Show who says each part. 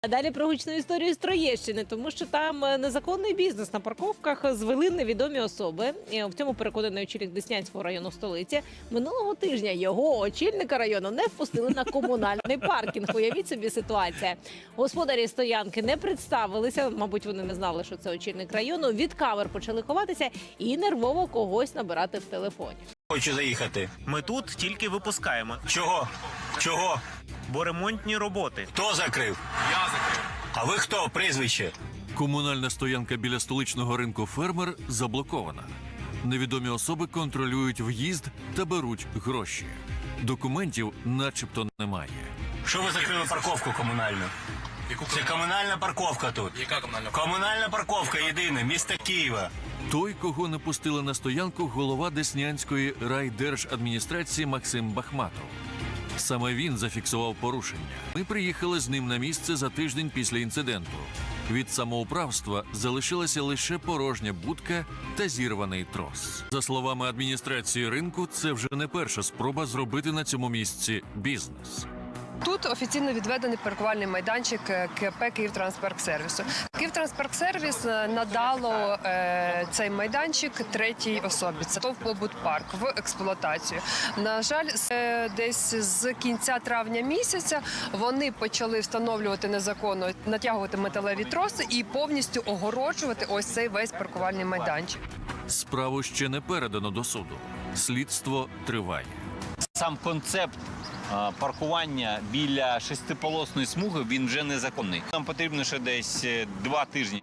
Speaker 1: А далі про гучну історію з Троєщини, тому що там незаконний бізнес на парковках звели невідомі особи. І в цьому переконаний очільник Деснянського району столиці. Минулого тижня його очільника району не впустили на комунальний паркінг. Уявіть собі ситуація. Господарі стоянки не представилися, мабуть, вони не знали, що це очільник району. Від камер почали ховатися і нервово когось набирати в телефоні.
Speaker 2: Хочу заїхати.
Speaker 3: Ми тут тільки випускаємо,
Speaker 2: Чого? Чого?
Speaker 3: бо ремонтні роботи.
Speaker 2: Хто закрив?
Speaker 4: Я закрив.
Speaker 2: А ви хто? Прізвище?
Speaker 5: Комунальна стоянка біля столичного ринку «Фермер» заблокована. Невідомі особи контролюють в'їзд та беруть гроші. Документів начебто немає.
Speaker 2: Що ви закрили парковку комунальну? Це комунальна парковка тут.
Speaker 4: Яка комунальна?
Speaker 2: Комунальна парковка єдина, міста Києва.
Speaker 5: Той, кого не пустили на стоянку, голова Деснянської райдержадміністрації Максим Бахматов. Саме він зафіксував порушення. Ми приїхали з ним на місце за тиждень після інциденту. Від самоуправства залишилася лише порожня будка та зірваний трос. За словами адміністрації ринку, це вже не перша спроба зробити на цьому місці бізнес.
Speaker 6: Тут офіційно відведений паркувальний майданчик КП «Київтранспарксервісу». «Київтранспарксервіс» надало цей майданчик третій особі. Це ТОВ «Побутпарк» в експлуатацію. На жаль, десь з кінця травня місяця вони почали встановлювати незаконно, натягувати металеві троси і повністю огороджувати ось цей весь паркувальний майданчик.
Speaker 5: Справу ще не передано до суду. Слідство триває.
Speaker 7: Сам концепт паркування біля шестиполосної смуги, він вже незаконний. Нам потрібно ще десь 2 тижні.